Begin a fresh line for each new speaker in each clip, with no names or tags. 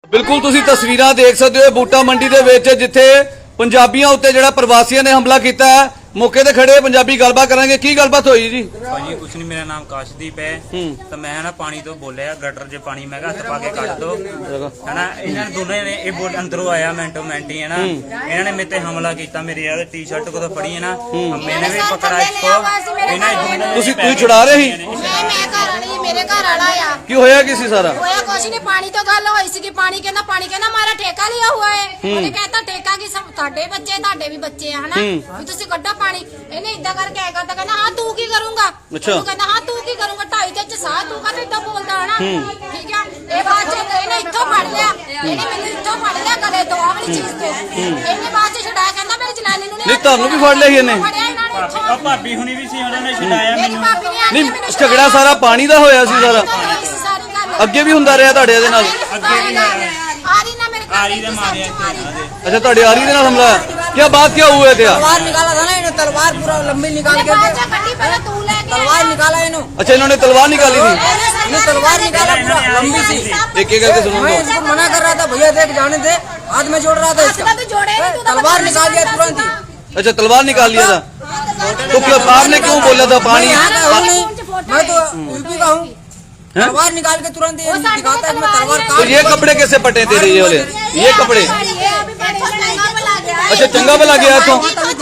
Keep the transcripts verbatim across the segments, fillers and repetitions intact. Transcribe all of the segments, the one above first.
बिल्कुल तुसी तस्वीरां देख सकते हो बूटा मंडी दे विच जिथे पंजाबियों उत्ते जिहड़ा प्रवासियों ने हमला किया है मौके ते खड़े पंजाबी गलबात करांगे की गलबात होई जी
भाजी कुछ नहीं मेरा नाम काशदीप है तो मैं ना पानी तो बोलिया गटर च पानी मैं हथ पा के कट दो है ना इन्होंने दोनों ने ये बोल अंदरों आया मिनटो मिनट ही है ना इन्होंने मेरे ते हमला किया मेरी यार टी शर्ट को तो फड़ी है ना मैंने भी पकड़ा इसको इन्होंने
तुसी तुसी छुड़ा रहे ही
मेरे घर वाला आ
की होया किसी सारा
होया कुछ नहीं पानी तो गल होई सी कि पानी कहना पानी कहना हमारा ठेका लिया हुआ है ਉਹਨੇ कहता ठेका की सब ਤੁਹਾਡੇ ਬੱਚੇ ਤੁਹਾਡੇ ਵੀ ਬੱਚੇ ਆ ਹਨਾ ਵੀ ਤੁਸੀਂ ਕੱਢੋ ਪਾਣੀ ਇਹਨੇ ਇਦਾਂ ਕਰਕੇ ਆਇਆ ਕਰਦਾ ਕਹਿੰਦਾ ਹਾਂ ਤੂੰ ਕੀ ਕਰੂੰਗਾ ਤੂੰ ਕਹਿੰਦਾ ਹਾਂ ਤੂੰ ਕੀ ਕਰੂੰਗਾ ਢਾਈ ਤੇ ਸਾਹ ਤੂੰ ਕਹਿੰਦਾ ਇਦਾਂ ਬੋਲਦਾ ਹਨਾ ਠੀਕ ਆ ਇਹ ਬਾਅਦ ਚ ਇਹਨੇ ਇੱਥੋਂ ਫੜ ਲਿਆ ਇਹਨੇ ਮੈਨੂੰ ਇੱਥੋਂ ਫੜ ਲਿਆ ਗਲੇ ਤੋਂ ਆਹ ਵਾਲੀ ਚੀਜ਼ ਤੋਂ ਇਹਨੇ ਬਾਅਦ ਚ ਛਡਾਇਆ ਕਹਿੰਦਾ ਮੇਰੀ ਜਨਾਨੀ ਨੂੰ
ਨਹੀਂ ਤੁਹਾਨੂੰ ਵੀ ਫੜ ਲਿਆ ਸੀ ਇਹਨੇ
ਭਾਬੀ ਹੁਣੀ ਵੀ ਸੀ ਉਹਨਾਂ ਨੇ ਛਡਾਇਆ ਮੈਨੂੰ
ਨਹੀਂ ਝਗੜਾ ਸਾਰਾ ਪਾਣੀ ਦਾ ਹੋਇਆ ਸੀ ਸਾਰਾ ਅੱਗੇ ਵੀ ਹੁੰਦਾ ਰਿਹਾ ਤੁਹਾਡੇ ਦੇ ਨਾਲ
ਅੱਗੇ ਵੀ ਹੋਇਆ
ਆਰੀ ਨਾ ਮੇਰੇ
ਆਰੀ ਦੇ ਮਾਰਿਆ
अच्छा ਤੁਹਾਡੇ ਆਰੀ ਦੇ ਨਾਲ ਹਮਲਾ क्या बात क्या हुआ थे
तलवार निकाला था ना इन्होंने तलवार पूरा लंबी निकाल के तलवार निकाला इन्होंने
अच्छा इन्होंने तलवार निकाली थी
इन्होंने तलवार निकाला पूरा लंबी सी
एक एक करके सुनो
मैं इसको मना कर रहा था भैया देख जाने दे हाथ में जोड़ रहा था इसका तलवार निकाल दिया तुरंत ही
अच्छा तलवार निकाल लिया था तो क्या आपने क्यों बोला था पानी
मैं तो यूपी का हूँ तलवार निकाल के तुरंत ये दिखाता है मैं तलवार
तो ये कपड़े कैसे पटे थे ये वाले ये कपड़े अच्छा चंगा भला गया तो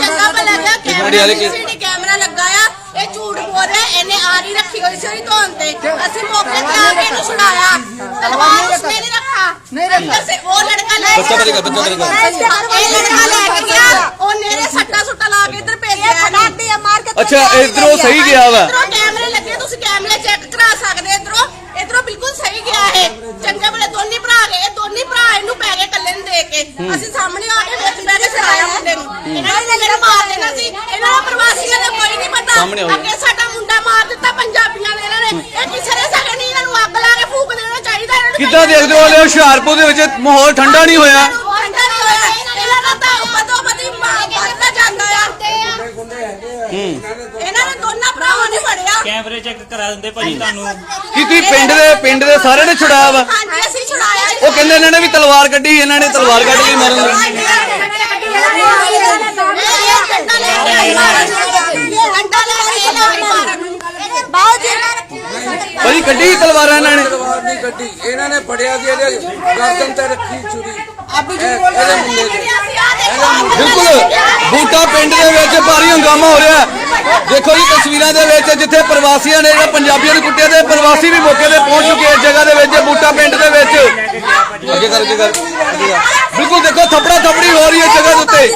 कैमरा लगाया ਇਹ ਝੂਠ ਬੋਲ ਰਿਹਾ ਇਹਨੇ ਆਰੀ ਰੱਖੀ ਹੋਈ ਸੀ ਉਹਦੀ ਧੌਣ ਤੇ ਅਸੀਂ ਮੌਕੇ ਤੇ ਆ ਕੇ ਇਹਨੂੰ ਛੁਡਾਇਆ ਤਲਵਾਰ ਉਸਨੇ ਨਹੀਂ ਰੱਖਾ ਅੰਦਰ ਸੇ ਉਹ ਲੜਕਾ ਲੈ
ਬੱਚਾ ਕਰੇਗਾ ਬੱਚਾ ਕਰੇਗਾ
ਇਹ ਲੜਕਾ ਲੈ ਕੇ ਗਿਆ ਉਹ ਨੇਰੇ ਸੱਟਾ ਸੁੱਟਾ ਲਾ ਕੇ ਇੱਧਰ ਭੇਜਿਆ ਫਟਾਤੇ ਮਾਰ ਕੇ
अच्छा इधरों सही गया वा
ਇਧਰੋਂ ਕੈਮਰੇ ਲੱਗੇ ਤੁਸੀਂ ਕੈਮਰੇ ਚੈੱਕ ਕਰਾ ਸਕਦੇ ਇਧਰੋਂ ਇਧਰੋਂ ਬਿਲਕੁਲ ਸਹੀ ਗਿਆ ਹੈ ਚੰਗੇ ਬਲੇ ਦੋਨੀ ਭਰਾ ਗਏ ਦੋਨੀ ਭਰਾ ਇਹਨੂੰ ਪੈ ਗਏ ਕੱਲੇ ਨੂੰ ਦੇ ਕੇ ਅਸੀਂ ਸਾਹਮਣੇ ਆ ਕੇ ਵਿੱਚ ਬੈ ਕੇ ਸਰਾਇਆ ਮੁੰਡੇ ਨੂੰ ਇਹਨਾਂ ਨੇ ਜਿਹੜਾ ਮਾਰ ਦੇਣਾ ਸੀ ਇਹਨਾਂ ਦਾ ਪ੍ਰਵਾਸੀਆਂ ਦਾ ਕੋਈ ਨਹੀਂ ਪਤਾ ਅੱਗੇ ਸਾਡਾ ਮੁੰਡਾ ਮਾਰ ਦਿੱਤਾ ਪੰਜਾਬੀਆਂ ਨੇ ਇਹਨਾਂ ਨੇ ਇਹ ਕਿਸੇ ਨੇ ਸਕੇ ਨਹੀਂ ਇਹਨਾਂ ਨੂੰ ਅੱਗ ਲਾ ਕੇ ਫੂਕ ਦੇਣਾ ਚਾਹੀਦਾ ਇਹਨਾਂ ਨੂੰ
ਕਿੱਦਾਂ ਦੇਖਦੇ ਹੋ ਲੈ ਹੁਸ਼ਿਆਰਪੁਰ ਦੇ ਵਿੱਚ ਮਾਹੌਲ ਠੰਡਾ ਨਹੀਂ ਹੋਇਆ
ਠੰਡਾ ਨਹੀਂ ਹੋਇਆ ਇਹਨਾਂ ਦਾ ਤਾਂ ਬਦੋ ਬਦੀ ਮਾਰਦਾ ਜਾਂਦਾ ਆ ਇਹਨਾਂ ਨੇ ਦੋਨਾਂ ਭਰਾਵਾਂ ਨੇ ਫੜਿਆ
ਕੈਮਰੇ ਚੈੱਕ ਕਰਾ ਦਿੰਦੇ ਭਾਜੀ ਤੁਹਾਨੂੰ
ਕੀ ਤੁਸੀਂ ਪਿੰਡ ਦੇ ਪਿੰਡ ਦੇ ਸਾਰਿਆਂ ਨੇ ਛੁਡਾਇਆ ਵਾ
ਹਾਂਜੀ ਅਸੀਂ ਛੁਡਾਇਆ
ਉਹ ਕਹਿੰਦੇ ਇਹਨਾਂ ਨੇ ਵੀ ਤਲਵਾਰ ਕੱਢੀ ਇਹਨਾਂ ਨੇ ਤਲਵਾਰ ਕੱਢ ਕੇ ਮਾਰਨ ਭਾਜੀ ਕੱਢੀ ਤਲਵਾਰਾਂ ਇਹਨਾਂ ਨੇ
तलवार नहीं कटी इन्होंने फड़िया गर्दन ते रखी छुरी
ਬਿਲਕੁਲ ਬੂਟਾ ਪਿੰਡ ਦੇ ਵਿੱਚ ਭਾਰੀ ਹੰਗਾਮਾ ਹੋ ਰਿਹਾ ਦੇਖੋ ਜੀ ਤਸਵੀਰਾਂ ਦੇ ਵਿੱਚ ਜਿੱਥੇ ਪ੍ਰਵਾਸੀਆਂ ਨੇ ਜਿਹੜਾ ਪੰਜਾਬੀਆਂ ਨੂੰ ਕੁੱਟਿਆ ਤੇ ਪ੍ਰਵਾਸੀ ਵੀ ਮੌਕੇ ਤੇ ਪਹੁੰਚ ਚੁੱਕੇ ਇਸ ਜਗ੍ਹਾ ਦੇ ਵਿੱਚ ਬੂਟਾ ਪਿੰਡ ਦੇ ਵਿੱਚ ਅੱਗੇ ਕਰ ਅੱਗੇ ਕਰ ਬਿਲਕੁਲ ਦੇਖੋ ਥੱਪੜਾ ਥੱਪੜੀ ਹੋ ਰਹੀ ਹੈ ਜਗ੍ਹਾ ਦੇ ਉੱਤੇ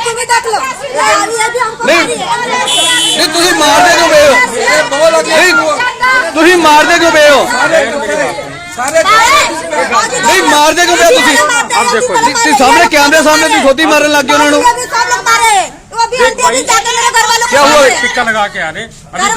ਨਹੀਂ ਨਹੀਂ ਤੁਸੀਂ ਮਾਰਦੇ ਕਿਉਂ ਪਏ ਹੋ ਨਹੀਂ ਤੁਸੀਂ ਮਾਰਦੇ ਕਿਉਂ ਪਏ ਹੋ नहीं मारते क्यों पे तुसी अब देखो जी सामने कैमरे सामने तुम खुद ही मारने लग गए उन्होंने क्या हुआ
टिक्का लगा के आ रहे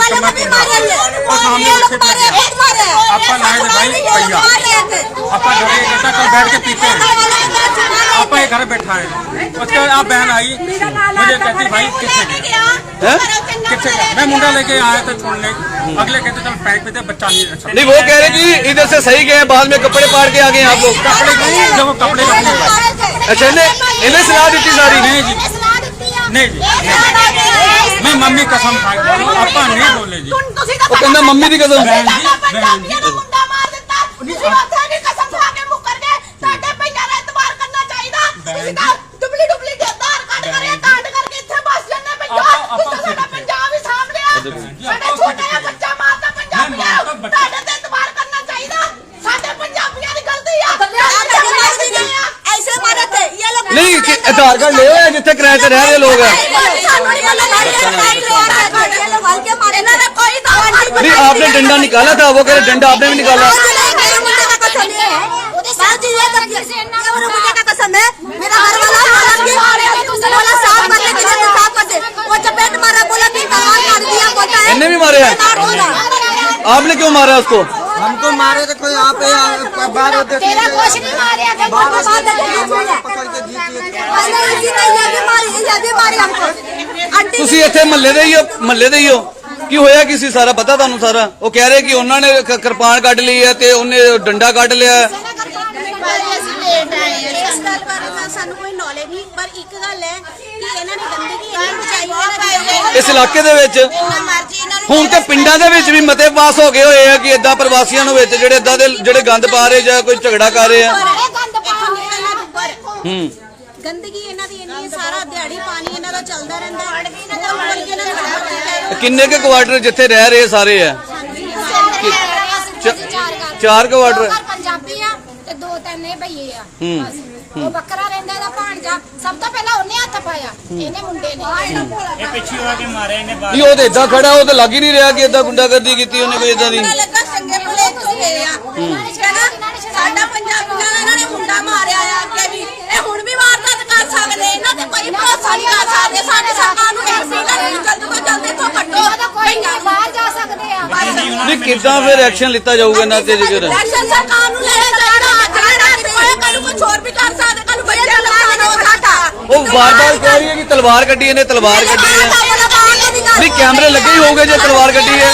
आपा लाए थे भाई भैया आपा घरे कहता कल बैठ के पीते हैं आपा ये घर बैठा है उसके बाद आप बहन आई मुझे कहती भाई कितने कितने मैं मुंडा लेके आया था छोड़ने अगले कहते चल पैक पे थे बच्चा नहीं अच्छा
नहीं वो कह रहे कि इधर से सही गए बाद में कपड़े पाड़ के आ गए आप लोग
कपड़े जब वो कपड़े
अच्छा इन्हें इन्हें सलाह दी सारी
नहीं जी नहीं जी मैं मम्मी कसम खा आपा नहीं बोले जी
वो कहना मम्मी की कसम
ਪੰਜਾਬੀਆਂ ਦਾ ਮੁੰਡਾ ਮਾਰ ਦਿੱਤਾ ਤੁਸੀਂ ਉੱਥੇ ਵੀ ਕਸਮ ਖਾ ਕੇ ਮੁੱਕਰ ਗਏ ਸਾਡੇ ਪਈਆਂ ਦਾ ਇਤਬਾਰ ਕਰਨਾ ਚਾਹੀਦਾ ਤੁਸੀਂ ਤਾਂ ਡੁਬਲੀ ਡੁਬਲੀ ਦੇ ਆਧਾਰ ਕਾਰਡ ਕਰਿਆ ਕਾਂਡ ਕਰਕੇ ਇੱਥੇ ਬਸ ਜੰਨੇ ਪੰਜਾਬ ਤੁਸੀਂ ਸਾਡਾ ਪੰਜਾਬ ਹੀ ਸਾਂਭ ਲਿਆ ਸਾਡੇ ਛੋਟੇ ਜਿਹਾ ਬੱਚਾ ਮਾਰਦਾ ਪੰਜਾਬੀਆਂ ਤੁਹਾਡੇ ਤੇ ਇਤਬਾਰ ਕਰਨਾ ਚਾਹੀਦਾ ਸਾਡੇ ਪੰਜਾਬੀਆਂ ਦੀ ਗਲਤੀ ਆ ਐਸੇ ਮਾਰੇ ਥੇ ਇਹ ਲੋਕ
नहीं कि आधार कार्ड ले हुए जिथे किराए पे रह रहे लोग हैं नहीं आपने डंडा निकाला था वो कह रहे डंडा आपने भी निकाला इन्हें भी मारे हैं आपने क्यों मारा उसको
हमको मारे थे कोई यहाँ पे बाहर होते
तेरा कुछ नहीं मारे
पकड़ के
ਤੁਸੀਂ ਇੱਥੇ ਮਹੱਲੇ ਦੇ ਹੀ ਹੋ ਮਹੱਲੇ ਦੇ ਹੀ ਹੋ ਕੀ ਹੋਇਆ ਕਿਸੇ ਸਾਰਾ ਪਤਾ ਤੁਹਾਨੂੰ ਸਾਰਾ ਉਹ ਕਹਿ ਰਹੇ ਕਿ ਉਹਨਾਂ ਨੇ ਕਿਰਪਾਨ ਕੱਢ ਲਈ ਹੈ ਤੇ ਉਹਨੇ ਡੰਡਾ ਕੱਢ ਲਿਆ
लेट है
ਗੱਲ ਬਾਰੇ ਤਾਂ ਸਾਨੂੰ ਕੋਈ ਨੌਲੇਜ ਨਹੀਂ, ਪਰ ਇੱਕ ਗੱਲ ਹੈ ਕਿ ਇਹਨਾਂ ਨੇ ਗੰਦਗੀ ਇੰਨੀ ਮਚਾਈ ਹੈ
ਇਸ ਇਲਾਕੇ ਦੇ ਵਿੱਚ
ਜਿੰਨਾ ਮਰਜ਼ੀ ਇਹਨਾਂ ਨੂੰ
ਹੁਣ ਤੇ ਪਿੰਡਾਂ ਦੇ ਵਿੱਚ ਵੀ ਮਤੇ ਪਾਸ ਹੋ ਗਏ ਹੋਏ ਆ ਕਿ ਇਦਾਂ ਪ੍ਰਵਾਸੀਆਂ ਨੂੰ ਵਿੱਚ ਜਿਹੜੇ ਇਦਾਂ ਦੇ ਜਿਹੜੇ ਗੰਦ ਪਾ ਰਹੇ ਜਾਂ ਕੋਈ ਝਗੜਾ ਕਰ ਰਹੇ ਆ। ਹੂੰ
ਗੰਦਗੀ ਇਹਨਾਂ ਦੀ ਇੰਨੀ ਹੈ, ਸਾਰਾ ਦਿਹਾੜੀ ਪਾਣੀ ਇਹਨਾਂ ਦਾ ਚੱਲਦਾ ਰਹਿੰਦਾ ਹੈ। ਬੋਲ ਬੋਲ ਕੇ ਇਹਨਾਂ ਨੂੰ ਖੜਾ ਕੀਤਾ ਹੈ।
ਕਿੰਨੇ ਕੇ ਕੁਆਟਰ ਜਿੱਥੇ ਰਹਿ ਰਹੇ ਸਾਰੇ ਆ? ਚਾਰ ਕੁਆਟਰ
ਪੰਜਾਬੀ ਆ ਤੇ ਦੋ ਤਿੰਨ ਇਹ ਭਈਏ ਆ।
ਹੂੰ।
ਬਸ। ਉਹ ਬੱਕਰਾ ਰਹਿੰਦਾ ਇਹਦਾ ਭਾਣਜਾ, ਸਭ ਤੋਂ ਪਹਿਲਾਂ ਉਹਨੇ ਹੱਥ ਪਾਇਆ, ਇਹਨੇ ਮੁੰਡੇ ਨੇ।
ਇਹ ਪਿੱਛੇ ਆ ਕੇ ਮਾਰਿਆ ਇਹਨੇ ਬਾਹਰ।
ਨਹੀਂ ਉਹ ਤੇ ਇਦਾਂ ਖੜਾ, ਉਹ ਤਾਂ ਲੱਗ ਹੀ ਨਹੀਂ ਰਿਹਾ ਕਿ ਇਦਾਂ ਗੁੰਡਾਗਰਦੀ ਕੀਤੀ ਉਹਨੇ ਕੋਈ ਇਦਾਂ ਦੀ।
ਪਤਾ ਲੱਗਾ ਚੰਗੇ ਭਲੇ ਤੋਂ ਗਏ ਆ। ਕਹਿੰਦਾ ਸਾਡਾ ਪੰਜਾਬੀਆਂ ਦਾ ਇਹਨਾਂ ਨੇ ਮੁੰਡਾ ਮਾਰਿਆ ਆ ਅੱਗੇ ਵੀ, ਇਹ ਹੁਣ ਵੀ ਵਾਰਦਾਤ ਕਰ ਸਕਦੇ, ਇਹਨਾਂ ਤੇ ਕੋਈ ਭਰੋਸਾ ਨਹੀਂ ਕਰ ਸਕਦੇ। ਸਾਡੀ ਸਰਕਾਰ ਨੂੰ ਇਹ ਸੀ ਕਿ ਜਲਦ ਤੋਂ ਜਲਦ ਇੱਥੋਂ ਕੱਢੋ।
ਕੋਈ ਨਹੀਂ ਬਾਹਰ ਜਾ ਸਕਦੇ ਆ।
ਨਹੀਂ ਕਿੱਦਾਂ ਫਿਰ ਐਕਸ਼ਨ ਲਿੱਤਾ ਜਾਊਗਾ ਇਹਨਾਂ ਤੇ ਜੇਕਰ?
ਐਕਸ਼ਨ ਸਰਕਾਰ ਨੂੰ ਲੈਣਾ ਚਾਹੀਦਾ। ਜਿਹੜਾ ਕੋਈ ਕੱਲ ਕੁਝ ਹੋਰ ਵੀ ਕਰ ਸਕਦੇ, ਕੱਲ ਬੱਚੇ ਨੁਕਸਾਨ ਹੋ ਸਕਦਾ।
ਉਹ ਵਾਰ-ਵਾਰ ਕਹਿ ਰਹੀ ਹੈ ਕਿ ਤਲਵਾਰ ਕੱਢੀ ਇਹਨੇ, ਤਲਵਾਰ ਕੱਢੀ ਹੈ। ਨਹੀਂ कैमरे लगे ही होंगे जो तलवार कटी है।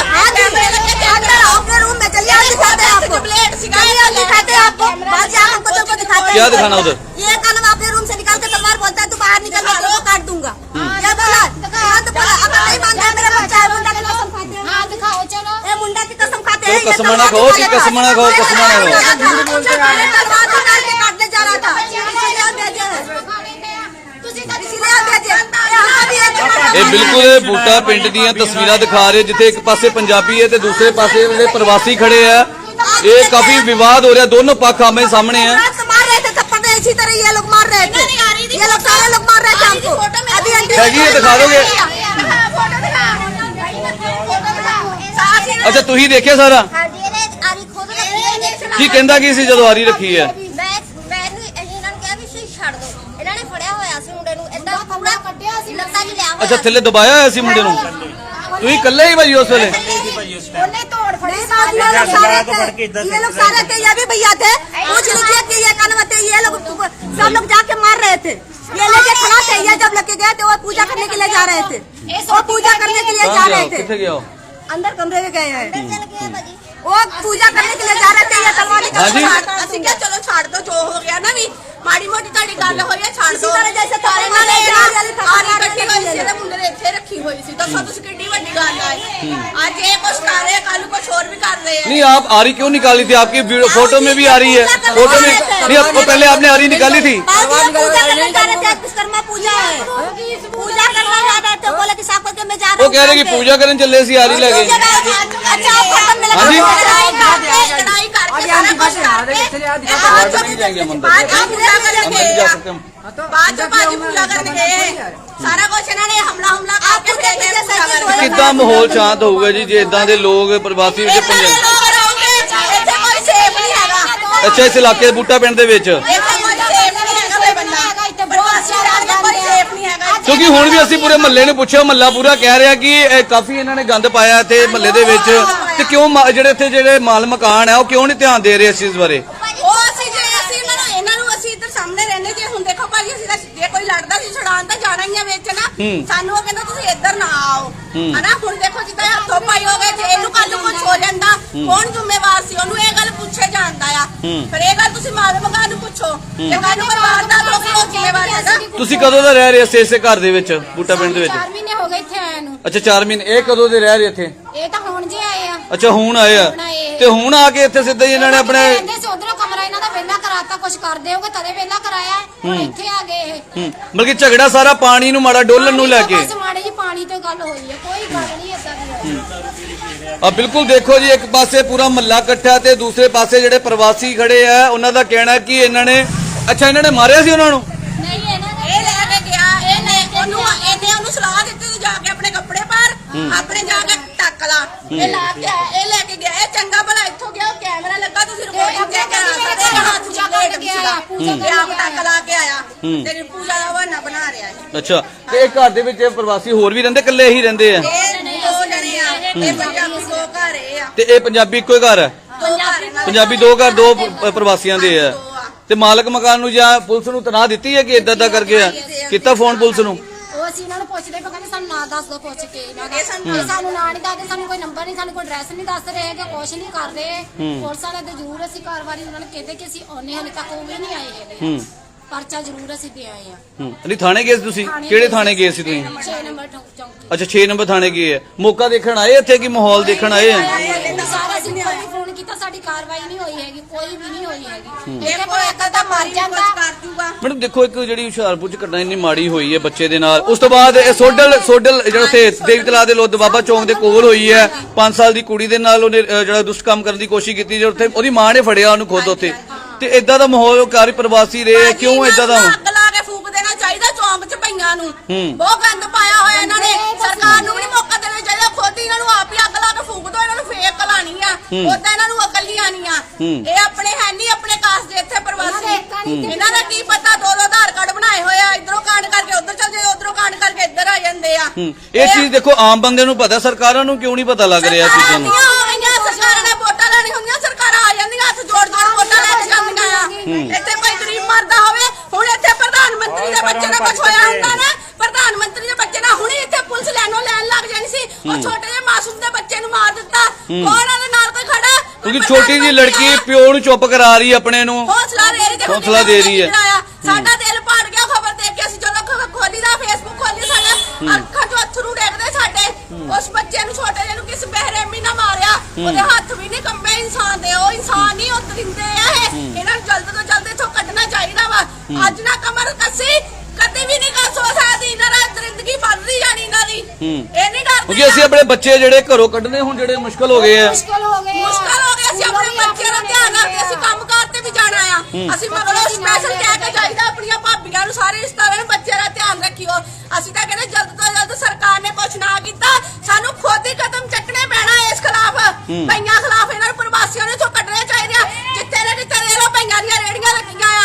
क्या दिखाना उधर?
ये कल अपने रूम से निकाल के तलवार बोलता है तू बाहर निकल, मैं तेरे को काट दूंगा। ये बोला तो बोला अब नहीं मानता मेरा बच्चा है, मुंडा की कसम खाते हैं।
हाँ दिखाओ चलो।
ये मुंडा की कसम खाते हैं।
तो कसम ना खाओ कि कसम ना खाओ, कसम ना खाओ।
तलवार निकाल के काटने जा रहा था, इसलिए भेजे इसलिए भेजे।
ਇਹ ਬਿਲਕੁਲ ਬੂਟਾ ਪਿੰਡ ਦੀਆਂ ਤਸਵੀਰਾਂ ਦਿਖਾ ਰਹੇ ਜਿੱਥੇ ਇੱਕ ਪਾਸੇ ਪੰਜਾਬੀ ਹੈ ਤੇ ਦੂਸਰੇ ਪਾਸੇ ਜਿਹੜੇ ਪ੍ਰਵਾਸੀ ਖੜੇ ਆ। ਇਹ ਕਾਫੀ ਵਿਵਾਦ ਹੋ ਰਿਹਾ, ਦੋਨੋਂ पक्ष आमने सामने हैं।
मार रहे थे थप्पड़ में, इसी तरह ये लोग मार रहे थे, ये लोग सारे लोग मार रहे थे हमको। अभी
हैगी है, दिखा दोगे? अच्छा ਤੁਸੀਂ ਦੇਖਿਆ ਸਾਰਾ ਕੀ ਕਹਿੰਦਾ ਕੀ ਸੀ ਜਦੋਂ ਆਰੀ ਰੱਖੀ ਹੈ? अच्छा थले दबाया है इसी मुंडे ਨੂੰ ਤੁਸੀਂ ਇਕੱਲੇ ਹੀ ਭਾਈ ਉਸ ਵੇਲੇ?
ਉਹਨੇ ਤੋੜ ਫੜੀ
ये लोग सारे थे, ये भी भैया थे। पूछ लीजिए कि ये कनवा थे, ये लोग सब लोग जाके मार रहे थे। ये लेके खड़ा थे, ये जब लेके गए थे वो पूजा करने के लिए जा रहे थे, वो पूजा करने के लिए जा रहे थे।
किथे गया?
अंदर कमरे में गए हैं, वो पूजा करने के लिए जा रहे थे। ये तलवार निकाल ਅਸੀਂ ਕਿਹਾ ਚਲੋ ਛੱਡ ਦੋ, ਜੋ ਹੋ ਗਿਆ ਨਾ ਵੀ ਮਾੜੀ ਮੋਟੀ ਤੁਹਾਡੀ ਗੱਲ ਹੋਈ ਹੈ ਛੱਡ ਦੋ। ਜੈਸੇ ਤਾਰੇ ਨਾਲ ਆਰੀ ਇਕੱਠੀ ਹੋਈ ਸੀ ਤੇ ਮੁੰਡੇ ਨੇ ਇੱਥੇ ਰੱਖੀ ਹੋਈ ਸੀ। ਦੱਸੋ ਤੁਸੀਂ ਕਿੰਨੀ ਵੱਡੀ ਗੱਲ ਹੈ। ਅੱਜ ਇਹ ਕੁਛ ਕਰ ਰਹੇ, ਕੱਲ ਨੂੰ कुछ और भी कर रहे हैं।
नहीं आप आरी क्यों निकाली थी? आपकी फोटो में भी आ रही है, फोटो में नहीं आपको पहले आपने आरी निकाली थी।
पूजा करने जा रहे थे, विश्वकर्मा पूजा है, पूजा करने जा रहे थे। बोले कि साफ करके मैं जा रहा हूं।
वो कह रहे कि पूजा करने चले सी आरी लगे।
अच्छा फोटो में लगा लड़ाई करके सारा कुछ करके आज नहीं जाएंगे हम अंदर, आज पूजा करने गए बाद में बाजी पूजा करने गए सारा कुछ इन्होंने हमला हमला करके गए।
कितना माहौल शांत होगा जी जे इदां दे लोग प्रवासी विच पंजाब?
ਇੱਥੇ ਕੋਈ ਸੇਫ ਨਹੀਂ ਹੈਗਾ।
अच्छा इस इलाके बूटा पिंड दे विच
ਇੱਥੇ ਕੋਈ ਸੇਫ ਨਹੀਂ ਹੈਗਾ ਕੋਈ ਬੰਦਾ, ਇੱਥੇ ਪ੍ਰਵਾਸੀ ਰਾਜ ਦਾ ਕੋਈ ਸੇਫ ਨਹੀਂ ਹੈਗਾ।
ਕਿਉਂਕਿ ਹੁਣ ਵੀ ਅਸੀਂ ਪੂਰੇ ਮਹੱਲੇ ਨੂੰ ਪੁੱਛਿਆ, ਮਹੱਲਾ ਪੂਰਾ ਕਹਿ ਰਿਹਾ ਕਿ ਇਹ ਕਾਫੀ ਇਹਨਾਂ ਨੇ ਗੰਦ ਪਾਇਆ ਇੱਥੇ ਮਹੱਲੇ ਦੇ ਵਿੱਚ ਤੇ ਕਿਉਂ ਮਾ- ਜਿਹੜੇ ਇੱਥੇ ਜਿਹੜੇ ਮਾਲ ਮਕਾਨ ਹੈ ਉਹ ਕਿਉਂ ਨਹੀਂ ਧਿਆਨ ਦੇ ਰਹੇ ਇਸ ਚੀਜ਼ ਬਾਰੇ?
ਉਹ ਅਸੀਂ ਜੇ ਅਸੀਂ ਇਹਨਾਂ ਨੂੰ ਇਹਨਾਂ ਨੂੰ ਅਸੀਂ ਇੱਧਰ ਸਾਹਮਣੇ ਰਹਿੰਦੇ ਜੇ ਹੁਣ ਦੇਖੋ ਭਾਜੀ ਅਸੀਂ ਤਾਂ ਜੇ ਕੋਈ ਲੜਦਾ ਸੀ ਛੜਾਉਣ ਤਾਂ ਜਾਣਾ ਹੀ ਆ ਵਿੱਚ ਨਾ। ਸਾਨੂੰ ਉਹ ਕਹਿੰਦਾ ਤੁਸੀਂ ਇੱਧਰ ਨਾ ਆਓ ਹਨਾ। ਹੁਣ ਦੇਖੋ ਜਿੱਦਾਂ ਹੱਥੋਂ ਪਾਈ ਹੋ ਗਏ, ਜੇ ਇਹਨੂੰ ਕੱਲ ਨੂੰ ਕੁਝ ਹੋ ਜਾਂਦਾ ਕੌਣ ਜ਼ਿੰਮੇਵਾਰ ਸੀ? ਉਹਨੂੰ ਇਹ ਗੱਲ ਪੁੱਛੇ ਜਾਂਦਾ ਆ। ਫਿਰ ਇਹ ਗੱਲ ਤੁਸੀਂ ਮਾਲ ਮਕਾਨ ਨੂੰ ਪੁੱਛੋ, ਜੇ ਕੱਲ ਨੂੰ ਕੋਈ ਵਾਰਦਾਤ ਹੋ ਗਈ ਉਹ ਜ਼ਿੰਮੇਵਾਰ ਹੈਗਾ।
ਤੁਸੀਂ ਕਦੋਂ ਦਾ ਰਹਿ ਰਹੇ ਇਸੇ ਇਸੇ ਘਰ ਦੇ ਵਿੱਚ ਬੂਟਾ ਪਿੰਡ ਦੇ ਵਿੱਚ?
ਚਾਰ ਮਹੀਨੇ ਹੋ ਗਏ ਇੱਥੇ ਆਇਆ ਨੂੰ।
ਅੱਛਾ ਚਾਰ ਮਹੀਨੇ। ਇਹ ਕਦੋਂ ਦੇ ਰਹਿ ਰਹੇ ਇੱਥੇ?
ਇਹ ਤਾਂ ਹੁਣ ਜੇ ਆਏ ਆ।
ਅੱਛਾ ਹੁਣ ਆਏ ਆ ਤੇ ਹੁਣ ਆ ਕੇ ਇੱਥੇ ਸਿੱਧਾ ਹੀ ਇਹਨਾਂ ਨੇ ਆਪਣੇ
ਕਹਿੰਦੇ ਸੀ ਉਧਰੋਂ ਕਮਰਾ ਇਹਨਾਂ ਦਾ ਵਿਹਲਾ ਕਰਾਤਾ, ਕੁਝ ਕਰਦੇ ਹੋਗੇ ਤਦੇ ਵਿਹਲਾ ਕਰਾਇਆ, ਹੁਣ ਇੱਥੇ ਆ ਗਏ ਇਹ।
ਹੂੰ ਬਲਕਿ ਝਗੜਾ ਸਾਰਾ ਪਾਣੀ ਨੂੰ ਮਾੜਾ ਡੋਲਣ ਨੂੰ ਲੈ ਕੇ।
ਬਸ ਮਾੜੀ ਜੀ ਪਾਣੀ ਤੇ ਗੱਲ ਹੋਈ ਹੈ, ਕੋਈ ਗੱਲ ਨਹੀਂ ਏਦਾਂ ਦੀ।
ਆ ਬਿਲਕੁਲ ਦੇਖੋ ਜੀ, ਇੱਕ ਪਾਸੇ ਪੂਰਾ ਮਹੱਲਾ ਇਕੱਠਾ ਤੇ ਦੂਸਰੇ ਪਾਸੇ ਜਿਹੜੇ ਪ੍ਰਵਾਸੀ ਖੜੇ ਆ ਉਹਨਾਂ ਦਾ ਕਹਿਣਾ ਕਿ ਇਹਨਾਂ ਨੇ ਅੱਛਾ ਇਹਨਾਂ ਨੇ ਮਾਰਿਆ ਸੀ ਉਹਨਾਂ ਨੂੰ?
ਨਹੀਂ ਇਹਨਾਂ ਨੇ
ਇਹ ਲੈ ਕੇ ਗਿਆ, ਇਹਨੇ ਉਹਨੂੰ ਇਹਨੇ ਉਹਨੂੰ ਸਲਾਹ ਦਿੱਤੀ ਤੂੰ ਜਾ ਕੇ ਆਪਣੇ ਕੱਪੜੇ ਪਾਰ, ਆਪਣੇ ਜਾ ਕੇ ਟੱਕ ਲਾ। ਇਹ ਲਾ ਕੇ ਆਇਆ, ਇਹ ਲੈ ਕੇ ਗਿਆ, ਇਹ ਚੰਗਾ ਭਲਾ ਇੱਥੋਂ ਗਿਆ, ਉਹ ਕੈਮਰਾ ਲੱਗਾ, ਤੁਸੀਂ ਰਿਕਾਰਡਿੰਗ ਚੈੱਕ ਕਰਾ ਸਕਦੇ ਹੋ। ਹੱਥ
ਪੂਜਾ ਕਰਕੇ ਆਇਆ, ਪੂਜਾ
ਤੇ ਆਪ ਟੱਕ ਲਾ ਕੇ ਆਇਆ, ਤੇਰੀ ਪੂਜਾ ਦਾ ਬਹਾਨਾ ਬਣਾ ਰਿਹਾ ਹੈ।
ਅੱਛਾ ਤੇ ਇਹ ਘਰ ਦੇ ਵਿੱਚ ਪ੍ਰਵਾਸੀ ਹੋਰ ਵੀ ਰਹਿੰਦੇ, ਇਕੱਲੇ ਹੀ ਰਹਿੰਦੇ ਆ?
ਇਹ ਦੋ ਜਣੇ ਆ, ਇਹ ਪੰਜਾਬੀ ਦੋ ਘਰ ਇਹ ਆ,
ਤੇ ਇਹ ਪੰਜਾਬੀ ਇੱਕੋ ਹੀ ਘਰ ਹੈ?
ਦੋ ਘਰ ਇਹਨਾਂ ਦੇ।
ਪੰਜਾਬੀ ਦੋ ਘਰ, ਦੋ ਪ- ਪ੍ਰਵਾਸੀਆਂ ਦੇ ਆ। ਤੇ ਮਾਲਕ ਮਕਾਨ ਨੂੰ ਜਾਂ ਪੁਲਿਸ ਨੂੰ ਤਨਾਹ ਦਿੱਤੀ ਹੈ ਕਿ ਇਦਾਂ ਦਾ ਕਰਕੇ ਆ ਕੀਤਾ ਫੋਨ ਪੁਲਿਸ ਨੂੰ?
ਉਹ ਅਸੀਂ ਇਹਨਾਂ ਨੂੰ ਪੁੱਛਦੇ ਪਏ, ਕਹਿੰਦੇ ਸਾਨੂੰ ਨਾਂ ਦੱਸ ਦਿਓ ਪੁੱਛ ਕੇ ਇਹਨਾਂ ਦਾ। ਇਹ ਸਾਨੂੰ ਨਾਂ ਨਹੀਂ ਦੱਸਦੇ, ਸਾਨੂੰ ਕੋਈ ਨੰਬਰ ਨਹੀਂ, ਸਾਨੂੰ ਕੋਈ ਐਡਰੈਸ ਨਹੀਂ ਦੱਸ ਰਹੇ ਹੈਗੇ, ਕੁਛ ਨਹੀਂ ਕਰ ਰਹੇ। ਪੁਲਿਸ ਵਾਲੇ ਤੇ ਜ਼ਰੂਰ ਅਸੀਂ ਕਾਰਵਾਈ ਉਹਨਾਂ ਨੂੰ ਕਹਿੰਦੇ ਕਿ ਅਸੀਂ ਆਉਨੇ, ਹਾਲੇ ਤੱਕ ਉਹ ਵੀ ਨਹੀਂ ਆਏ ਹੈਗੇ। ਪਰਚਾ ਜ਼ਰੂਰ ਅਸੀਂ ਦੇ ਆਏ ਆ
ਹੂੰ ਨਹੀਂ ਥਾਣੇ ਗਏ ਸੀ ਤੁਸੀਂ? ਕਿਹੜੇ ਥਾਣੇ ਗਏ ਸੀ ਤੁਸੀਂ?
ਛੇ ਨੰਬਰ ਚੌਂਕੀ।
ਅੱਛਾ ਛੇ ਨੰਬਰ ਥਾਣੇ ਗਏ ਆ। ਮੌਕਾ ਦੇਖਣ ਆਏ ਇੱਥੇ ਕਿ ਮਾਹੌਲ ਦੇਖਣ ਆਏ ਆ?
ਸਾਰਾ ਅਸੀਂ ਕੋਈ ਵੀ ਫੋਨ ਕੀਤਾ, ਸਾਡੀ ਕਾਰਵਾਈ ਨਹੀਂ ਹੋਈ ਹੈਗੀ, ਕੋਈ ਵੀ ਨਹੀਂ ਹੋਈ ਹੈਗੀ। ਇਹਦੇ ਕੋਲ ਇੱਕ ਤਾਂ ਮਰ ਜਾਂਦਾ।
ਮੈਡਮ ਦੇਖੋ ਇੱਕ ਜਿਹੜੀ ਹੁਸ਼ਿਆਰਪੁਰ ਚ ਘਟਨਾ ਇੰਨੀ ਮਾੜੀ ਹੋਈ ਹੈ ਬੱਚੇ ਦੇ ਨਾਲ, ਉਸ ਤੋਂ ਬਾਅਦ ਇਹ ਸੋਡਲ ਸੋਡਲ ਜਿਹੜਾ ਉੱਥੇ ਦੇਵੀ ਤਲਾਬ ਦੇ ਲੋਧ ਬਾਬਾ ਚੌਂਕ ਦੇ ਕੋਲ ਹੋਈ ਹੈ। ਪੰਜ ਸਾਲ ਦੀ ਕੁੜੀ ਦੇ ਨਾਲ ਉਹਨੇ ਅਹ, ਜਿਹੜਾ ਦੁਸ਼ਟ ਕੰਮ ਕਰਨ ਦੀ ਕੋਸ਼ਿਸ਼ ਕੀਤੀ, ਜਿਹੜਾ ਉੱਥੇ ਉਹਦੀ ਮਾਂ ਨੇ ਫੜਿਆ ਉਹਨੂੰ ਖੁਦ ਉੱਥੇ। ਤੇ ਇਦਾਂ ਦਾ ਮਾਹੌਲ ਘਰ ਪ੍ਰਵਾਸੀ ਰਹੇ, ਕਿਉਂ ਇਦਾਂ ਦਾ?
ਅੱਗ ਲਾ ਕੇ ਫੂਕ ਦੇਣਾ ਚਾਹੀਦਾ ਚੌਂਕ 'ਚ ਪਈਆਂ ਨੂੰ। ਬਹੁਤ ਗੰਦ ਪਾਇਆ ਹੋਇਆ ਇਹਨਾਂ ਨੇ। ਸਰਕਾਰ ਨੂੰ ਵੀ ਨੀ ਮੌਕਾ ਦੇਣਾ ਚਾਹੀਦਾ, ਖੁਦ ਹੀ ਇਹਨਾਂ ਨੂੰ ਆਪ ਹੀ ਅੱਗ ਲਾ ਕੇ ਫੂਕ ਦੋ। ਇਹਨਾਂ ਨੂੰ ਫੇਰ ਕਲਾਣੀ ਆ, ਉਦਾਂ ਇਹਨਾਂ ਨੂੰ ਅਕਲੀਆਂ ਨਹੀਂ ਆ। ਇਹ ਆਪਣੇ ਹੈ ਨਹੀਂ ਆਪਣੇ ਕਾਸ ਦੇ ਇੱਥੇ ਪ੍ਰਵਾਸੀ। ਇਹਨਾਂ ਦਾ ਕੀ ਪਤਾ ਦੋ ਦੋ ਆਧਾਰ ਕਾਰਡ ਬਣਾਏ ਹੋਏ ਆ, ਇਧਰੋਂ ਕਾਂਡ ਕਰਕੇ ਉਧਰ ਚਲ ਜਾਂਦੇ, ਉਧਰੋਂ ਕਾਂਡ ਕਰਕੇ ਇੱਧਰ ਆ ਜਾਂਦੇ ਆ।
ਇਹ ਚੀਜ਼ ਦੇਖੋ ਆਮ ਬੰਦੇ ਨੂੰ ਪਤਾ, ਸਰਕਾਰਾਂ ਨੂੰ ਕਿਉਂ ਨਹੀਂ ਪਤਾ ਲੱਗ ਰਿਹਾ ਚੀਜ਼ਾਂ ਨੂੰ?
ਸਰਕਾਰਾਂ ਨੇ ਵੋਟਾਂ ਲੈਣੀ ਹੁੰਦੀਆਂ, ਸਰਕਾਰਾਂ ਆ ਜਾਂਦੀਆਂ ਹੱਥ ਜੋੜ ਜੋੜ ਵੋਟਾਂ ਲੈ ਕੇ ਜਾਂਦੀਆਂ ਆ। ਇੱਥੇ ਕੋਈ ਗਰੀਬ ਮਰਦਾ ਹੋਵੇ, ਹੁਣ ਇੱਥੇ ਪ੍ਰਧਾਨ ਮੰਤਰੀ ਦੇ ਬੱਚੇ ਨਾਲ ਕੁਝ ਹੋਇਆ ਹੁੰਦਾ ਨਾ, ਪ੍ਰਧਾਨ ਮੰਤਰੀ ਦੇ ਬੱਚੇ ਨਾਲ ਹੁਣੇ ਇੱਥੇ ਪੁਲਿਸ ਲੈਣੋਂ ਲੈਣ ਲੱਗ ਜਾਣੀ ਸੀ। ਉਹ ਛੋਟੇ ਜਿਹੇ ਮਾਸੂਮ ਦੇ ਬੱਚੇ ਨੂੰ ਮਾਰ ਦਿੱਤਾ। ਕੌਣ ਉਹਦੇ ਨਾਲ ਕੋਈ ਖੜਾ?
ਕਿਉਂਕਿ ਛੋਟੀ ਜੀ ਲੜਕੀ ਪਿਓ ਨੂੰ ਚੁੱਪ ਕਰਾ ਰਹੀ ਆਪਣੇ ਨੂੰ,
ਹੌਸਲਾ ਦੇ ਰਹੀ ਤੇ
ਹੌਸਲਾ ਦੇ ਰਹੀ ਹੈ।
ਸਾਡਾ ਦਿਲ ਪਾੜ ਗਿਆ ਖਬਰ ਦੇਖ ਕੇ। ਅਸੀਂ ਜਦੋਂ ਖ- ਖੋਲੀ ਦਾ ਫੇਸਬੁੱਕ ਖੋਲੀ, ਸਾਡਾ ਅੱਖਾਂ ਚੋਂ ਅਥਰੂ ਡੇਗਦੇ ਸਾਡੇ। ਉਸ ਬੱਚੇ ਨੂੰ ਛੋਟੇ ਜਿਹੇ ਨੂੰ ਕਿਸ ਬਹਿਰਮੀ ਨਾਲ ਮਾਰਿਆ, ਉਹਦੇ ਹੱਥ ਵੀ ਨਹੀਂ ਕੰਬੇ ਇਨਸਾਨ ਦੇ। ਉਹ ਇਨਸਾਨ ਨਹੀਂ, ਉਹ ਦਰਿੰਦੇ ਆ ਇਹ। ਇਹਨਾਂ ਨੂੰ ਜਲਦ ਤੋਂ ਜਲਦ ਇੱਥੋਂ ਕੱਢਣਾ ਚਾਹੀਦਾ ਵਾ। ਅੱਜ ਨਾ ਕਮਰ ਕੱਸੀ ਕਦੇ ਵੀ ਨਹੀਂ ਕਰ ਸੋ ਸਕਦੀ। ਇਹਨਾਂ ਨਾਲ ਦਰਿੰਦਗੀ ਵੱਧਦੀ ਜਾਣੀ ਇਹਨਾਂ ਦੀ। ਇਹ ਨਹੀਂ ਡਰਦੇ।
ਕਿਉਂਕਿ ਅਸੀਂ ਆਪਣੇ ਬੱਚੇ ਜਿਹੜੇ ਘਰੋਂ ਕੱਢਣੇ ਹੁਣ ਜਿਹੜੇ ਮੁਸ਼ਕਲ ਹੋ ਗਏ ਆ।
ਮੁਸ਼ਕਲ ਹੋ ਗਏ ਆ।
ਮੁਸ਼ਕਲ ਹੋ ਗਿਆ। ਅਸੀਂ ਆਪਣੇ ਬੱਚਿਆਂ ਦਾ ਧਿਆਨ ਰੱਖਦੇ, ਅਸੀਂ ਕੰਮਕਾਰ ਤੇ ਵੀ ਜਾਣਾ ਆ। ਅਸੀਂ ਮਗਰੋਂ ਸਪੈਸ਼ਲ ਕਹਿ ਕੇ ਜਾਈਦਾ ਆਪਣੀਆਂ ਭਾਬੀਆਂ ਨੂੰ, ਸਾਰੇ ਰਿਸ਼ਤੇਦਾਰਾਂ ਨੂੰ, ਬੱਚਿਆਂ ਦਾ ਧਿਆਨ ਰੱਖਿਓ। ਅਸੀਂ ਤਾਂ ਕਹਿੰਦੇ ਜਲਦ ਤੋਂ ਜਲਦ ਸਰਕਾਰ ਨੇ ਕੁਛ ਨਾ ਕੀਤਾ, ਸਾਨੂੰ ਖੁਦ ਹੀ ਕਦਮ ਚੱਕਣੇ ਪੈਣਾ ਇਸ ਖਿਲਾਫ। ਪਈਆਂ ਖਿਲਾਫ ਇਹਨਾਂ ਨੂੰ ਪ੍ਰਵਾਸੀਆਂ ਨੂੰ ਇੱਥੋਂ ਕੱਢਣੇ ਚਾਹੀਦੇ ਆ। ਜਿੱਥੇ ਨੇ ਜਿੱਥੇ ਦੇ ਲੋ ਪਈਆਂ ਦੀਆਂ ਰੇੜੀਆਂ ਲੱਗੀਆਂ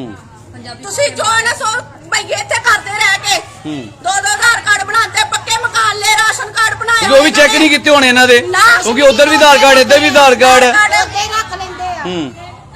ਆ। ਤੁਸੀਂ ਜੋ ਨਾ ਸੋ ਭਈਏ ਇੱਥੇ ਕਰਦੇ ਰਹਿ ਕੇ ਦੋ ਦੋ ਆਧਾਰ ਕਾਰਡ ਬਣਾਉਂਦੇ, ਪੱਕੇ ਮਕਾਨ ਲੈ, ਰਾਸ਼ਨ ਕਾਰਡ ਬਣਾਏ।
ਉਹ ਵੀ ਚੈੱਕ ਨਹੀਂ ਕੀਤੇ ਹੋਣੇ ਇਹਨਾਂ ਦੇ, ਕਿਉਂਕਿ ਉਧਰ ਵੀ ਆਧਾਰ ਕਾਰਡ, ਇੱਧਰ ਵੀ ਆਧਾਰ ਕਾਰਡ।
ਅੱਗੇ ਰੱਖ ਲੈਂਦੇ ਆ।
ਹੂੰ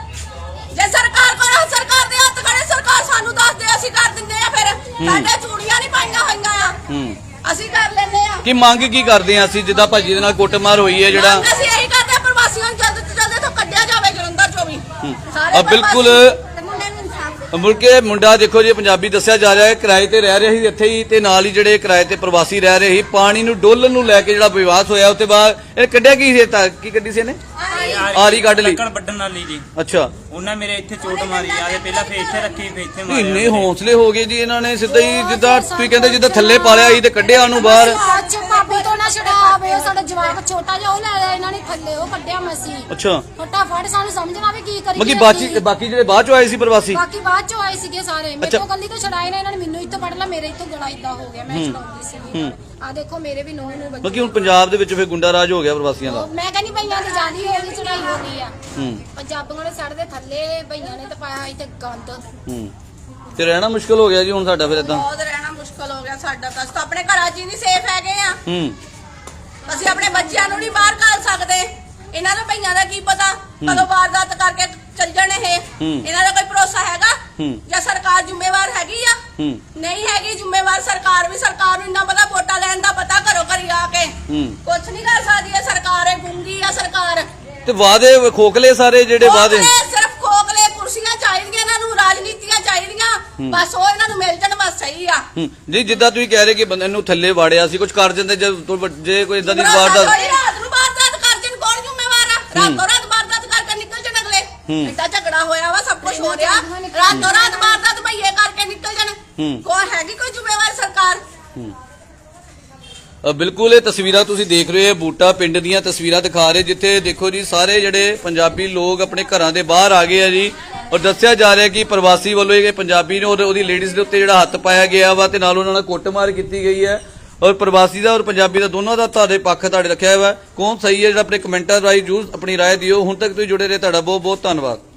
ਜੇ ਸਰਕਾਰ ਕੋਲ ਸਰਕਾਰ ਦੇ ਹੱਥ ਖੜੇ, ਸਰਕਾਰ ਸਾਨੂੰ ਦੱਸ ਦੇ, ਅਸੀਂ ਕਰ ਦਿੰਦੇ ਆ। ਫਿਰ ਸਾਡੇ ਚੂੜੀਆਂ ਨਹੀਂ ਪਾਈਆਂ ਹੋਈਆਂ ਆ, ਅਸੀਂ ਕਰ ਲੈਂਦੇ ਆ।
ਕੀ ਮੰਗ ਕੀ ਕਰਦੇ ਆ ਅਸੀਂ, ਜਿੱਦਾਂ ਭਾਜੀ ਦੇ ਨਾਲ ਕੁੱਟਮਾਰ ਹੋਈ ਹੈ ਜਿਹੜਾ?
ਮੰਗ ਅਸੀਂ ਇਹੀ ਕਰਦੇ ਆ, ਪ੍ਰਵਾਸੀਆਂ ਨੂੰ ਜਲਦ ਤੋਂ ਜਲਦ ਇੱਥੋਂ ਕੱਢਿਆ ਜਾਵੇ ਜਲੰਧਰ ਚੋਂ ਵੀ ਸਾਰੇ
ਆ ਬਿਲਕੁਲ
ਪ੍ਰਵਾਸੀ। ਮੁੰਡੇ ਨੂੰ ਇਨਸਾਫ
ਮੁਰਕੇ ਮੁੰਡਾ ਦੇਖੋ ਜੀ ਪੰਜਾਬੀ ਦੱਸਿਆ ਜਾ ਰਿਹਾ ਹੈ, ਕਿਰਾਏ ਤੇ ਰਹਿ ਰਿਹਾ ਸੀ ਇੱਥੇ ਹੀ, ਤੇ ਨਾਲ ਹੀ ਜਿਹੜੇ ਕਿਰਾਏ ਤੇ ਪ੍ਰਵਾਸੀ ਰਹਿ ਰਹੇ ਸੀ, ਪਾਣੀ ਨੂੰ ਡੋਲਣ ਨੂੰ ਲੈ ਕੇ ਜਿਹੜਾ ਵਿਵਾਦ ਹੋਇਆ, ਉੱਤੇ ਬਾਅਦ ਇਹ ਕੱਢਿਆ ਕੀ ਸੀ? ਤਾਂ ਕੀ ਕੱਢੀ ਸੀ ਇਹਨੇ? ਆਰੀ ਕੱਢ ਲਈ।
ਲੱਕੜ ਵੱਢਣ ਵਾਲੀ ਜੀ।
ਅੱਛਾ
ਉਹਨਾਂ ਮੇਰੇ ਇੱਥੇ ਚੋਟ ਮਾਰੀ ਆ। ਇਹ ਪਹਿਲਾਂ ਫੇਰ ਇੱਥੇ ਰੱਖੀ, ਫੇਰ ਇੱਥੇ ਮਾਰੀ।
ਇੰਨੇ ਹੌਸਲੇ ਹੋ ਗਏ ਜੀ ਇਹਨਾਂ ਨੇ, ਸਿੱਧਾ ਹੀ ਜਿੱਦਾਂ ਤੁਸੀਂ ਕਹਿੰਦੇ ਜਿੱਦਾਂ ਥੱਲੇ ਪਾ ਲਿਆ ਸੀ ਤੇ ਕੱਢਿਆ ਉਹਨੂੰ ਬਾਹਰ।
ਅੱਜ ਭਾਬੀ ਤੋਂ ਨਾ ਛਡਾਵੇ, ਸਾਡਾ ਜਵਾਕ ਛੋਟਾ ਜਿਹਾ ਉਹ ਲੈ ਲਿਆ ਇਹਨਾਂ ਨੇ ਥੱਲੇ, ਉਹ ਕੱਢਿਆ ਮਸੀਂ।
ਅੱਛਾ
ਫਟਾਫਟ ਸਾਨੂੰ ਸਮਝਣਾ ਵੀ ਕੀ ਕਰੀਏ।
ਬਾਕੀ ਬਾਕੀ ਬਾਕੀ ਜਿਹੜੇ ਬਾਅਦ ਚੋਂ ਆਏ ਸੀ ਪ੍ਰਵਾਸੀ,
ਬਾਕੀ ਬਾਅਦ ਚੋਂ ਆਏ ਸੀਗੇ ਸਾਰੇ। ਮੇਰੇ ਤੋਂ ਗੰਦੀ ਤੋਂ ਛਡਾਏ ਨੇ ਇਹਨਾਂ ਨੇ, ਮੈਨੂੰ ਇੱਥੋਂ ਪੜ ਲਾ, ਮੇਰੇ ਇੱਥੋਂ ਗਲਾ ਇਦਾਂ ਹੋ ਗਿਆ। ਮੈਂ ਛਡਾਉਂਦੀ ਸੀ। ਆ ਦੇਖੋ ਮੇਰੇ ਵੀ ਨੂੰਹ ਨੂੰ ਬੱਚੇ।
ਬਾਕੀ ਹੁਣ ਪੰਜਾਬ ਦੇ ਵਿੱਚ ਫਿਰ ਗੁੰਡਾ ਰਾਜ ਹੋ ਗਿਆ ਪ੍ਰਵਾਸੀਆਂ ਦਾ।
ਮੈਂ ਕਹਿੰਦੀ ਭਈਆਂ ਦੀ ਜਾਂਦੀ ਹੋ ਗਈ, ਚੜਾਈ ਹੋ ਗਈ ਆ।
ਹੂੰ
ਪੰਜਾਬੀਆਂ ਨੇ ਸੜ ਦੇ ਥੱਲੇ, ਭਈਆਂ ਨੇ ਤਾਂ ਪਾਇਆ ਇੱਥੇ ਗੰਦ।
ਹੂੰ ਤੇ ਰਹਿਣਾ ਮੁਸ਼ਕਲ ਹੋ ਗਿਆ ਜੀ ਹੁਣ ਸਾਡਾ ਫਿਰ ਇਦਾਂ।
ਬਹੁਤ ਰਹਿਣਾ ਮੁਸ਼ਕਲ ਹੋ ਗਿਆ ਸਾਡਾ ਤਾਂ। ਅਸੀਂ ਤਾਂ ਆਪਣੇ ਘਰਾਂ 'ਚ ਹੀ ਨਹੀਂ ਸੇਫ ਹੈਗੇ ਆ।
ਹੂੰ
ਅਸੀਂ ਆਪਣੇ ਬੱਚਿਆਂ ਨੂੰ ਨਹੀਂ ਬਾਹਰ ਘੱਲ ਸਕਦੇ। ਇਹਨਾਂ ਨੂੰ ਭਈਆਂ ਦਾ ਕੀ ਪਤਾ ਕਦੋਂ ਵਾਰਦਾਤ ਕਰਕੇ ਚੱਲ ਜਾਣੇ ਇਹ। ਇਹਨਾਂ ਦਾ ਕੋਈ ਭਰੋਸਾ ਹੈਗਾ? ਜਾਂ ਸਰਕਾਰ ਜ਼ਿੰਮੇਵਾਰ ਹੈਗੀ ਆ? ਨਹੀਂ ਹੈਗੀ ਜ਼ਿੰਮੇਵਾਰ ਸਰਕਾਰ ਵੀ। ਸਰਕਾਰ ਨੂੰ ਇੰਨਾ ਪਤਾ, ਵੋਟਾਂ ਲੈਣ ਦਾ ਪਤਾ, ਘਰੋਂ ਘਰੀ ਆ ਕੇ ਕੁਛ ਨਹੀਂ ਕਰ ਸਕਦੀ ਇਹ ਸਰਕਾਰ। ਇਹ ਗੁੰਗੀ ਆ ਸਰਕਾਰ।
ਤੇ ਵਾਅਦੇ ਖੋਖਲੇ ਸਾਰੇ ਜਿਹੜੇ ਵਾਅਦੇ,
ਖੋਖਲੇ, ਸਿਰਫ ਖੋਖਲੇ। ਕੁਰਸੀਆਂ ਚਾਹੀਦੀਆਂ ਇਹਨਾਂ ਨੂੰ, ਰਾਜਨੀਤੀਆਂ ਚਾਹੀਦੀਆਂ, ਬਸ ਉਹ ਇਹਨਾਂ ਨੂੰ ਮਿਲ ਜਾਣ, ਬਸ ਸਹੀ ਆ।
ਜੀ ਜਿੱਦਾਂ ਤੁਸੀਂ ਕਹਿ ਰਹੇ ਕਿ ਬੰਦੇ ਨੂੰ ਥੱਲੇ ਵਾੜਿਆ ਸੀ, ਕੁਝ ਕਰ ਜਾਂਦੇ ਜੇ ਜੇ ਕੋਈ ਇਦਾਂ ਦੀ ਵਾਰਦਾਤ।
ਰਾਤ ਨੂੰ ਵਾਰਦਾਤ ਕਰ ਜਨ, ਕੌਣ ਜ਼ਿੰਮੇਵਾਰ ਆ? ਰਾਤੋਂ ਰਾਤ ਵਾਰਦਾਤ ਕਰਕੇ ਨਿਕਲ ਜਾਣ ਅਗਲੇ। ਐਡਾ ਝਗੜਾ ਹੋਇਆ ਵਾ, ਸਭ ਕੁਝ ਹੋ ਰਿਹਾ, ਰਾਤੋਂ ਰਾਤ ਵਾਰਦਾਤ ਭਈਏ ਕਰਕੇ ਨਿਕਲ ਜਾਣ। ਕੌਣ ਹੈਗੀ ਕੋਈ ਜ਼ਿੰਮੇਵਾਰ ਸਰਕਾਰ?
ਬਿਲਕੁਲ ਇਹ ਤਸਵੀਰਾਂ ਤੁਸੀਂ ਦੇਖ ਰਹੇ ਹੋ, ਬੂਟਾ ਪਿੰਡ ਦੀਆਂ ਤਸਵੀਰਾਂ ਦਿਖਾ ਰਹੇ, ਜਿੱਥੇ ਦੇਖੋ ਜੀ ਸਾਰੇ ਜਿਹੜੇ ਪੰਜਾਬੀ ਲੋਕ ਆਪਣੇ ਘਰਾਂ ਦੇ ਬਾਹਰ ਆ ਗਏ ਆ ਜੀ। ਔਰ ਦੱਸਿਆ ਜਾ ਰਿਹਾ ਕਿ ਪ੍ਰਵਾਸੀ ਵੱਲੋਂ ਇਹ ਪੰਜਾਬੀ ਨੇ ਉਹਦੀ ਲੇਡੀਜ਼ ਦੇ ਉੱਤੇ ਜਿਹੜਾ ਹੱਥ ਪਾਇਆ ਗਿਆ ਵਾ, ਤੇ ਨਾਲ ਉਹਨਾਂ ਨਾਲ ਕੁੱਟਮਾਰ ਕੀਤੀ ਗਈ ਹੈ। ਔਰ ਪ੍ਰਵਾਸੀ ਦਾ ਔਰ ਪੰਜਾਬੀ ਦਾ ਦੋਨੋਂ ਦਾ ਤੁਹਾਡੇ ਪੱਖ ਤੁਹਾਡੇ ਰੱਖਿਆ ਹੋਇਆ। ਕੌਣ ਸਹੀ ਹੈ ਜਿਹੜਾ ਆਪਣੇ ਕਮੈਂਟਾਂ ਰਾਹੀਂ ਜਰੂਰ ਆਪਣੀ ਰਾਏ ਦਿਓ। ਹੁਣ ਤੱਕ ਤੁਸੀਂ ਜੁੜੇ ਰਹੇ, ਤੁਹਾਡਾ ਬਹੁਤ ਬਹੁਤ ਧੰਨਵਾਦ।